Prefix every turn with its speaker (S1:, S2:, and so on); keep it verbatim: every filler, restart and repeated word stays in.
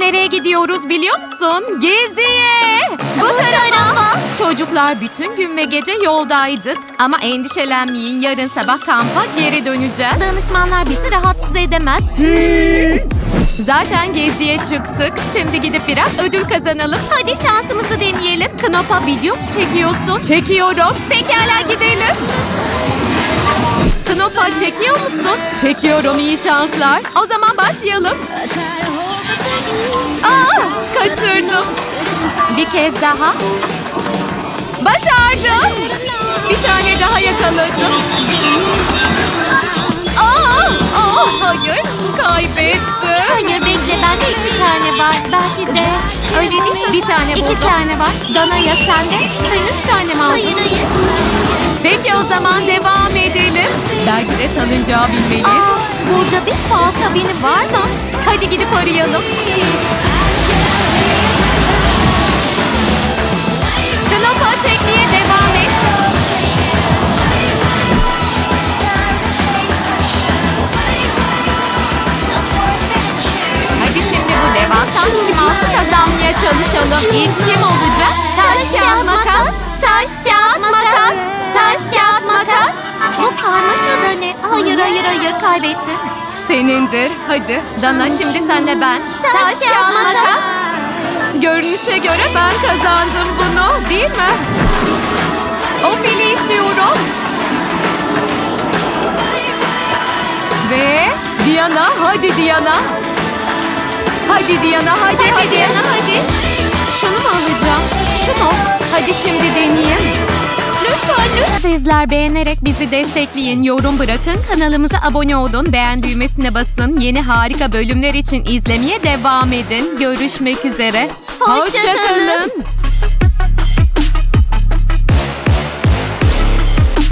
S1: nereye gidiyoruz biliyor musun? Geziye! Bu tarafa. Çocuklar bütün gün ve gece yoldaydık. Ama endişelenmeyin, yarın sabah kampa geri döneceğiz.
S2: Danışmanlar bizi rahatsız edemez.
S1: Zaten geziye çıktık. Şimdi gidip biraz ödül kazanalım.
S2: Hadi şansımızı deneyelim.
S1: Knopa video mu çekiyorsun? Çekiyorum.
S2: Pekala gidelim.
S1: Knopa çekiyor musun? Çekiyorum, iyi şanslar. O zaman başlayalım. Aa, kaçırdım. Bir kez daha. Başardım. Bir tane daha yakaladım. Aa, aa, hayır, kaybettim.
S2: Hayır bekle, bende iki tane var. Belki de öyle değil mi?
S1: Bir tane buldum.
S2: İki tane var. Dana ya sende? Sen üç tane mi aldın? Hayır hayır.
S1: Peki o zaman devam edelim. Belki de salıncağı bilmeliyiz.
S2: Aa, burada bir fal kabini var mı?
S1: Hadi gidip arayalım. Knopa çekmeye devam et. Hadi şimdi bu devasa Mickey Mouse'u kazanmaya çalışalım. İlk kim olacak? Taş, kağıt, makas. Taş, kağıt, makas. Taş, kağıt, makas.
S2: Bu karmaşa da ne? Hayır hayır hayır, kaybettim.
S1: Senindir. Hadi. Dana, şimdi sen de ben.
S2: Taş, kağıt, makas.
S1: Görünüşe göre ben kazandım bunu, değil mi? O fili istiyorum. Ve Diana, hadi Diana. Hadi Diana, hadi hadi.
S2: Hadi Diana, hadi.
S1: Şunu mu alacağım? Şunu. Hadi şimdi deneyeyim. Lütfen lütfen. Sizler beğenerek bizi destekleyin. Yorum bırakın. Kanalımıza abone olun. Beğen düğmesine basın. Yeni harika bölümler için izlemeye devam edin. Görüşmek üzere.
S2: Hoşça kalın.
S1: kalın.